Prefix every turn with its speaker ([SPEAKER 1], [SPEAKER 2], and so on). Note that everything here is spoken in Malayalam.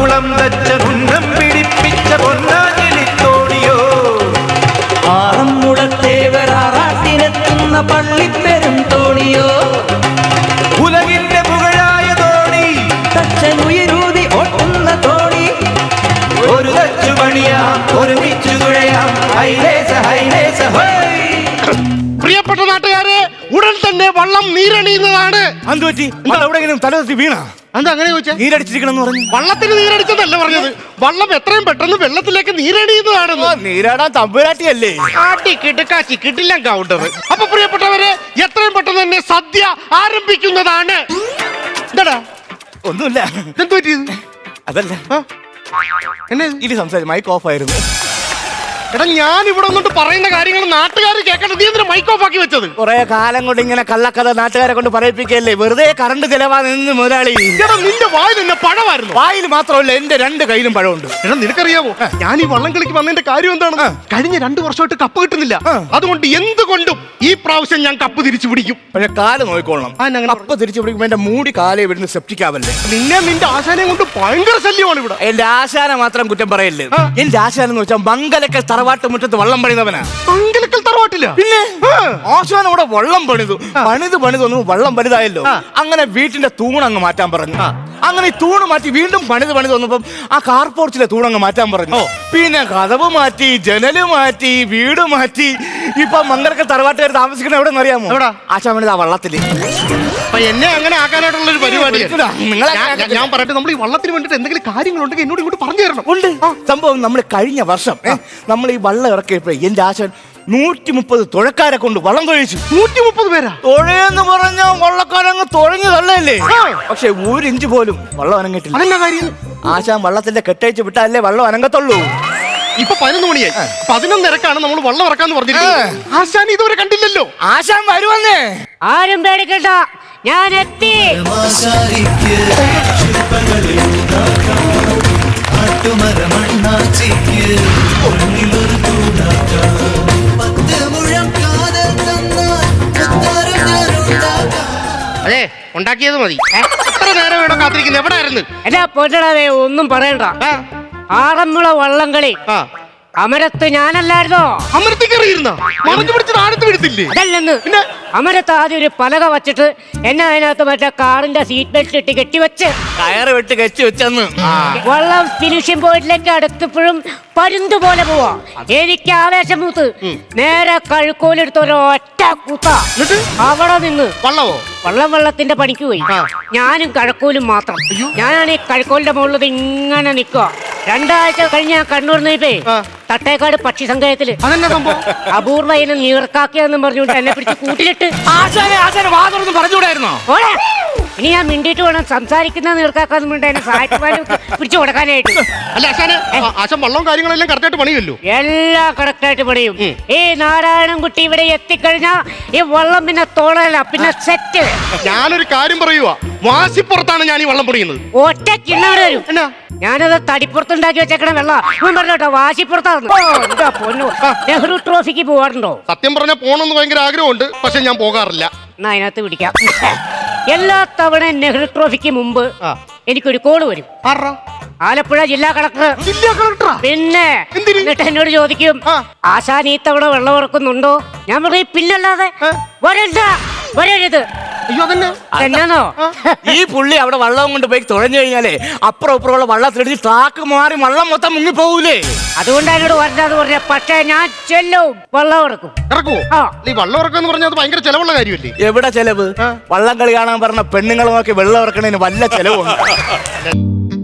[SPEAKER 1] കുളം തച്ച കുന്നം പിടിപ്പിച്ച പൊന്നാഞ്ഞിലിത്തോണിയോ
[SPEAKER 2] ആറന്മുളത്തേവരാറാട്ടിനെത്തുന്ന പള്ളിപ്പെരും തോണിയോ
[SPEAKER 1] ഉലകിന്റെ പുകഴായ തോണി
[SPEAKER 2] തച്ചനുയരൂതി ഓട്ടുന്ന തോണി
[SPEAKER 1] ഒരു തച്ചു പണിയാം ഒരുമിച്ചു തുഴയാം ഹൈലേസ ഹൈലേസ ഹൈ.
[SPEAKER 3] പ്രിയപ്പെട്ട നാട്ടുകാരെ, ഉടൻ തന്നെ വള്ളം നീരണിയുന്നതാണ്.
[SPEAKER 4] എവിടെയെങ്കിലും തലവത്തി വീണ
[SPEAKER 3] എന്താ അങ്ങനെ ചോദിച്ചാ?
[SPEAKER 4] നീരടിച്ചിരിക്കണം പറഞ്ഞു.
[SPEAKER 3] വള്ളത്തിന് നീരടിച്ചതല്ല പറഞ്ഞത്, വള്ളം എത്രയും പെട്ടെന്ന് വെള്ളത്തിലേക്ക് നീരണിയുന്നതാണെന്ന്.
[SPEAKER 4] നീരാടാൻ തമ്പുരാട്ടിയല്ലേ?
[SPEAKER 3] ആട്ടി കിടുക്കാച്ചി കിട്ടില്ല കൗണ്ടർ. അപ്പൊ പ്രിയപ്പെട്ടവരെ, എത്രയും പെട്ടെന്ന് തന്നെ സദ്യ ആരംഭിക്കുന്നതാണ്. എന്താടാ
[SPEAKER 4] ഒന്നുമില്ല.
[SPEAKER 3] എന്ത് പറ്റിയത്?
[SPEAKER 4] അതല്ല
[SPEAKER 3] എന്നെ
[SPEAKER 4] ഇത് സംസാരിച്ചു, മൈക്ക് ഓഫ് ആയിരുന്നു.
[SPEAKER 3] എടാ, ഞാൻ ഇവിടെ വന്നിട്ട് പറയുന്ന കാര്യങ്ങൾ നാട്ടുകാർ കേൾക്കട്ടെ. നീ എന്തിനാ മൈക്ക് ഓഫ് ആക്കി വെച്ചത്?
[SPEAKER 4] കുറെ കാലം കൊണ്ട് ഇങ്ങനെ കള്ളക്കഥ നാട്ടുകാരെ കൊണ്ട് പറയിപ്പിക്കല്ലേ, വെറുതെ കറണ്ട് ചെലവാ നിന്ന് മുതലാളി.
[SPEAKER 3] എടാ, നിന്റെ വായിൽ എന്നെ പഴമായിരുന്നു.
[SPEAKER 4] വായിൽ മാത്രമല്ല, എന്റെ 2 കയ്യിലും പഴമുണ്ട്.
[SPEAKER 3] എടാ, നിനക്കറിയാമോ ഞാൻ ഈ വള്ളം കളിക്ക് വന്നതിന്റെ കാര്യം എന്താണ്? കഴിഞ്ഞ 2 വർഷമായിട്ട് കപ്പ് കിട്ടുന്നില്ല. അതുകൊണ്ട് എന്തുകൊണ്ടും ഈ പ്രാവശ്യം ഞാൻ കപ്പ് തിരിച്ചു പിടിക്കും.
[SPEAKER 4] പക്ഷെ കാല് നോക്കിക്കോളണം. കപ്പ് തിരിച്ചു പിടിക്കുമ്പോ എന്റെ മൂടി കാലേ ഇവിടുന്ന് സെപ്റ്റിക്കാവല്ലേ.
[SPEAKER 3] നിന്റെ ആശാനെ കൊണ്ട് ഭയങ്കര ശല്യമാണ് ഇവിടെ.
[SPEAKER 4] എന്റെ ആശാന മാത്രം കുറ്റം പറയല്ലേ. എന്റെ ആശാനം എന്ന് വെച്ചാൽ മംഗലക്കൽ തറവാട്ട് മുറ്റത്ത് വള്ളം പണിതവനാ.
[SPEAKER 3] മംഗലക്കൽ തറവാട്ടില്ല?
[SPEAKER 4] പിന്നെ ആശാൻ അവിടെ വള്ളം പണിതൊന്നും വള്ളം വലുതായല്ലോ. അങ്ങനെ വീട്ടിന്റെ തൂണങ്ങ് മാറ്റാൻ പറഞ്ഞു. അങ്ങനെ ഈ തൂണ് മാറ്റി വീണ്ടും പണിത് വന്നപ്പം ആ കാർ പോർച്ചിലെ തൂണങ്ങ് മാറ്റാൻ പറഞ്ഞു. പിന്നെ കതവ് മാറ്റി, ജനല് മാറ്റി, വീട് മാറ്റി. ഇപ്പൊ മംഗലക്കൽ തറവാട്ടുകാർ താമസിക്കണ എവിടെ അറിയാമോ? ആശാൻ പണിത് ആ വള്ളത്തില്.
[SPEAKER 3] എന്നെ അങ്ങനെ ആക്കാനായിട്ടുള്ള ഒരു പരിപാടി
[SPEAKER 4] നിങ്ങളെ
[SPEAKER 3] ഞാൻ പറയട്ടെ. നമ്മൾ ഈ വള്ളത്തിന് വേണ്ടിട്ട് എന്തെങ്കിലും കാര്യങ്ങളുണ്ടെങ്കിൽ എന്നോട് ഇങ്ങോട്ട് പറഞ്ഞു തരണം.
[SPEAKER 4] ഉണ്ട് സംഭവം. നമ്മൾ കഴിഞ്ഞ വർഷം നമ്മൾ ഈ വള്ളം ഇറക്കിയപ്പോ എന്റെ ആശാൻ 130 തുഴക്കാരെ കൊണ്ട് വള്ളം തൊഴിച്ചു.
[SPEAKER 3] 130 പേരാ?
[SPEAKER 4] തുഴയെന്ന് പറഞ്ഞ വള്ളക്കാരങ്ങ് തുഴഞ്ഞു തള്ളയല്ലേ. പക്ഷെ 1 ഇഞ്ച് പോലും വള്ളം അനങ്ങിട്ടില്ല.
[SPEAKER 3] അതെന്നാ കാര്യം?
[SPEAKER 4] ആശാൻ വള്ളത്തിന്റെ കെട്ടയച്ച് വിട്ടാലേ വള്ളം അനങ്ങത്തുള്ളൂ.
[SPEAKER 3] ഇപ്പൊ 11 മണിയായി. 11:30 നമ്മൾ വള്ളം ഇറക്കാന്ന് പറഞ്ഞിരിക്കുന്നത്. ആശാൻ ഇതുവരെ കണ്ടില്ലല്ലോ.
[SPEAKER 4] ആശാൻ വരുവന്നേ.
[SPEAKER 5] ആരും പേടിക്കണ്ട, ഞാൻ എത്തി.
[SPEAKER 3] അതെ, ഉണ്ടാക്കിയത് മതി. എത്ര നേരം വേണം കാത്തിരിക്കുന്നത്? എവിടെ ആയിരുന്നു?
[SPEAKER 5] എടാ പൊന്നടാവേ, ഒന്നും പറയണ്ട. ആറന്മുള വള്ളംകളി അമരത്ത് ഞാനല്ലായിരുന്നോ?
[SPEAKER 3] അമരത്തിൽ കയറിയിരുന്ന മറഞ്ഞു പിടിച്ച് താഴത്ത് വീഴത്തില്ലേ?
[SPEAKER 5] അതല്ലെന്ന്. പിന്നെ അമരത്ത് ആദ്യം ഒരു പലക വച്ചിട്ട് എന്നെ അതിനകത്ത് മറ്റേ കാറിന്റെ സീറ്റ് ബെൽറ്റ് ഇട്ട് കെട്ടിവെച്ച്
[SPEAKER 4] കയറ് വെട്ട് കെട്ടി വെച്ചെന്ന്.
[SPEAKER 5] വള്ളം ഫിനിഷിംഗ് പോയിന്റിലേക്ക് അടുത്തപ്പോഴും പരുന്ത് പോലെ പോവാ. എനിക്ക് ആവേശം മൂത്ത് നേരെ കഴുക്കോലെടുത്ത് ഒരൊറ്റ കൂത്ത. അവിടെ നിന്ന് വള്ളത്തിന്റെ പണിക്ക് പോയി. ഞാനും കഴക്കോലും മാത്രം. ഞാനാണ് ഈ കഴക്കോലിന്റെ മുകളിൽ ഇങ്ങനെ നിൽക്കുക. 2 ആഴ്ച കഴിഞ്ഞ് ഞാൻ കണ്ണൂർ നീപ്പേ തട്ടേക്കാട് പക്ഷി സങ്കേതത്തില് അപൂർവ ഇനം നീർക്കാക്കിയെന്നും പറഞ്ഞുകൊണ്ട് എന്നെ പിടിച്ച് കൂട്ടിലിട്ട്
[SPEAKER 4] പറഞ്ഞുകൂടായിരുന്നോ?
[SPEAKER 5] ഇനി ഞാൻ മിണ്ടിയിട്ട് വേണം സംസാരിക്കുന്ന നീർക്കാക്കാന്ന് വേണ്ട എന്നെ സാഹിത്യമാരും പിടിച്ചു കൊടുക്കാനായിട്ട്.
[SPEAKER 3] അല്ല ആശാൻ വള്ളവും കാര്യങ്ങളെല്ലാം കറക്റ്റായിട്ട് പണിയല്ലോ?
[SPEAKER 5] എല്ലാം കറക്റ്റായിട്ട് പണിയും. ഈ നാരായണൻകുട്ടി ഇവിടെ എത്തിക്കഴിഞ്ഞാ ഈ വള്ളം പിന്നെ തോളല്ല, പിന്നെ സെറ്റ്.
[SPEAKER 3] ഞാനൊരു കാര്യം പറയുക, വാശിപ്പുറത്താണ് ഞാൻ ഈ വള്ളം പണിയുന്നത്.
[SPEAKER 5] ഒറ്റ കിണ്ണാട് വരും. ഞാനത് തടിപ്പുറത്തുണ്ടാക്കി വെച്ചേക്കണ വെള്ളം പറഞ്ഞോട്ടോ, വാശിപ്പുറത്താന്ന്. പൊന്നു, നെഹ്റു ട്രോഫിക്ക് പോവാറുണ്ടോ?
[SPEAKER 3] സത്യം പറഞ്ഞാൽ പോകണമെന്ന് ഭയങ്കര ആഗ്രഹമുണ്ട്, പക്ഷെ ഞാൻ പോകാറില്ല.
[SPEAKER 5] എന്നാ അതിനകത്ത് പിടിക്കാം. എല്ലാ തവണ നെഹ്റു ട്രോഫിക്ക് മുമ്പ് എനിക്കൊരു കോള് വരും. ആലപ്പുഴ ജില്ലാ കളക്ടർ. പിന്നെ എന്നിട്ട് എന്നോട് ചോദിക്കും, ആശാൻ ഈ തവണ വെള്ളം ഇറക്കുന്നുണ്ടോ? ഞാൻ പറയും പിന്നല്ലാതെ. വരരുത്. എന്നാന്നോ
[SPEAKER 4] ഈ പുള്ളി അവിടെ വള്ളം കൊണ്ട് പോയി തുഴഞ്ഞു കഴിഞ്ഞാലേ അപ്പുറം ഇപ്പുറമുള്ള വള്ളത്തിലെടുത്ത് ട്രാക്ക് മാറി വള്ളം മൊത്തം മുങ്ങി പോകൂലേ.
[SPEAKER 5] അതുകൊണ്ട് എന്നോട് വരണ്ടാന്ന് പറഞ്ഞ. പക്ഷേ ഞാൻ ചെല്ലും, വള്ളം ഇറക്കും.
[SPEAKER 3] ഈ വള്ളം ഇറക്കാന്ന് പറഞ്ഞാൽ അത് ഭയങ്കര ചെലവുള്ള കാര്യമല്ലേ?
[SPEAKER 4] എവിടെ ചെലവ്? വള്ളം കളി കാണാൻ പറഞ്ഞ പെണ്ണുങ്ങളെ നോക്കി വെള്ളം ഇറക്കണതിന് വല്ല ചെലവുണ്ട്.